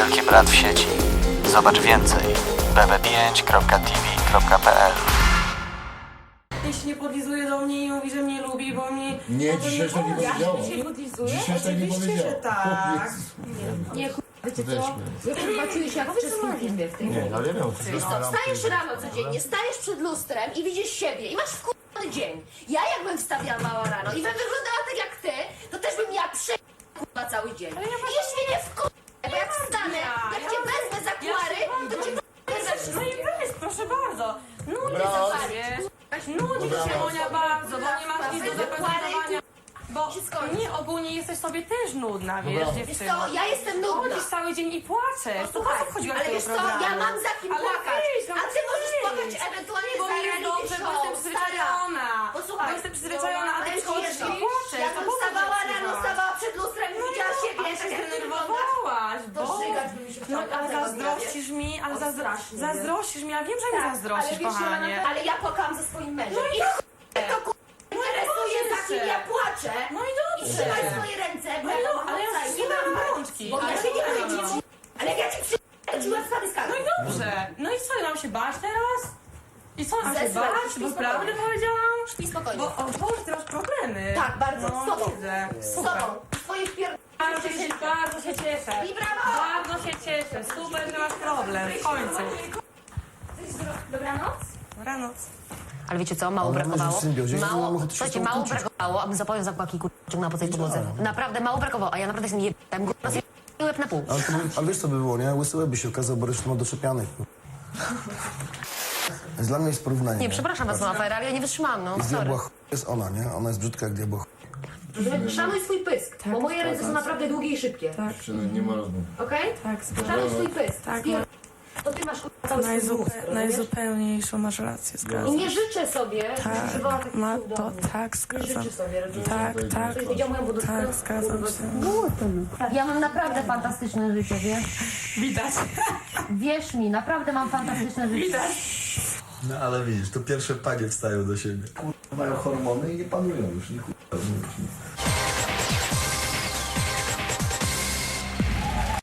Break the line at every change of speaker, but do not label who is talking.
Wielki Brat w sieci. Zobacz więcej bb5.tv.pl.
Jeśli nie podlizuje do mnie i mówi, że mnie lubi, bo mnie...
Nie, dzisiaj tak nie powiedziała.
Dzisiaj podlizuje?
Dzisiaj tak nie
Oczywiście, że
powiedziała.
tak.
Nie, wiecie co?
Weźmy.
Wy chyba czujesz jak w czeskim filmie w tej
Nie,
chwili.
ale no,
Wiesz co, wstajesz rano codziennie, stajesz przed lustrem i widzisz siebie i masz wkurwany dzień. Ja jakbym wstawała rano i bym wyglądała tak jak ty, to też bym miała kurwa cały dzień. I jeśli nie wkurwę, bo jak wstanę, jak cię wezmę za kuary, to cię wezmę za
No i
wszystkie.
weź, proszę bardzo. Nudzi
Brat.
za ciebie. Nudzi się Monia bardzo, bo nie masz nic do zaprezentowania. Bo
się skończy.
nie, ogólnie jesteś sobie też nudna, wiesz,
Dobra.
Wiesz
dziewczyno.
co, ja jestem nudna.
Chodzisz cały dzień i płaczesz. To po co wchodziłaś
Ale
do tego
wiesz co,
programu?
ja mam za kim
Ale
płakać.
wyjdź, no
A ty możesz
wyjdź.
płakać ewentualnie
Bo
za
nie jest
reality
dobrze, bo
show,
jestem przyzwyczajona.
stara. Posłuchaj,
Bo jestem przyzwyczajona, a ty
powiem ci
przychodzisz
jedno.
i płaczesz.
Ja
To
bym
po co
wstawała
tak
rano,
przyjechać?
stawała przed lustrem i widziała siebie,
Ale się
tak jak ty wyglądasz.
zdenerwowałaś,
To
bo...
żygać by mi się
No,
chciało
ale
każdego dnia,
zazdrościsz mi, ale
O, strasznie, nie?
zazdrościsz mi, ja wiem, że mi zazdrościsz,
ale wiesz,
kochanie.
Ale ja płakałam ze swoim mężem. I to interesuje, za kim ja płaczę.
No i
I
dobrze.
trzymaj swoje ręce, bo ja to
ale ja
wrócę i nie
trzymam
mam
rączki.
Bo ja się nie
Ale
boję
no.
ci. Ale jak ja ci przyjdę, ci łeb spadł z
No i dobrze. No i co, ja mam się bać teraz? I co, mam się
Zesrać,
bać?
śpi
Bo
spokojnie.
prawdę powiedziałam?
I spokojnie.
Bo, o Boże, ty masz problemy.
Tak, bardzo.
No,
Z tobą.
widzę.
Z
Super.
tobą. Twoje
Bardzo się cieszę.
I brawo!
Bardzo się cieszę. Super, że masz problem. W końcu.
Dobranoc.
Dobranoc.
Ale wiecie co, mało
Ale
brakowało.
weź w symbiozie, nie mam
Mało,
ochoty się
słuchajcie,
z tą
mało
kłócić.
brakowało, abym zapowiem zakłaki kurczę po tej podłodze. Naprawdę mało brakowało, a ja naprawdę jestem jebem, łeb na pół.
Ale wiesz co by było, nie? Łysy łeb by się okazał, bo resztę ma doczepianych. Dla mnie jest porównanie.
Nie, przepraszam was, mama Fajra, ale ja nie wytrzymałam, no,
Jest
sorry.
diabła jest ona, nie? Ona jest brzydka jak diabła
Szanuj swój pysk, bo moje ręce są naprawdę długie i szybkie.
Nie ma rozmów.
Okej?
Tak,
Szanuj swój pysk.
Tak,
Spier- To ty masz cały swój mózg, rozumiesz?
najzupełniejszą masz rację,
I
zgadzam.
nie życzę sobie, żeby przywoła takich
ma
słów do
to,
mnie.
tak,
Nie
zgadzam.
życzę sobie, rozumiesz?
Tak,
Ktoś widział moją budówkę?
tak, zgadzam się.
Ja mam naprawdę fantastyczne życie, wiesz?
Widać.
Wierz mi, naprawdę mam fantastyczne życie.
No ale widzisz, to pierwsze panie wstają do siebie.
Mają hormony i nie panują już, nie kurwa, rozumiesz, nie?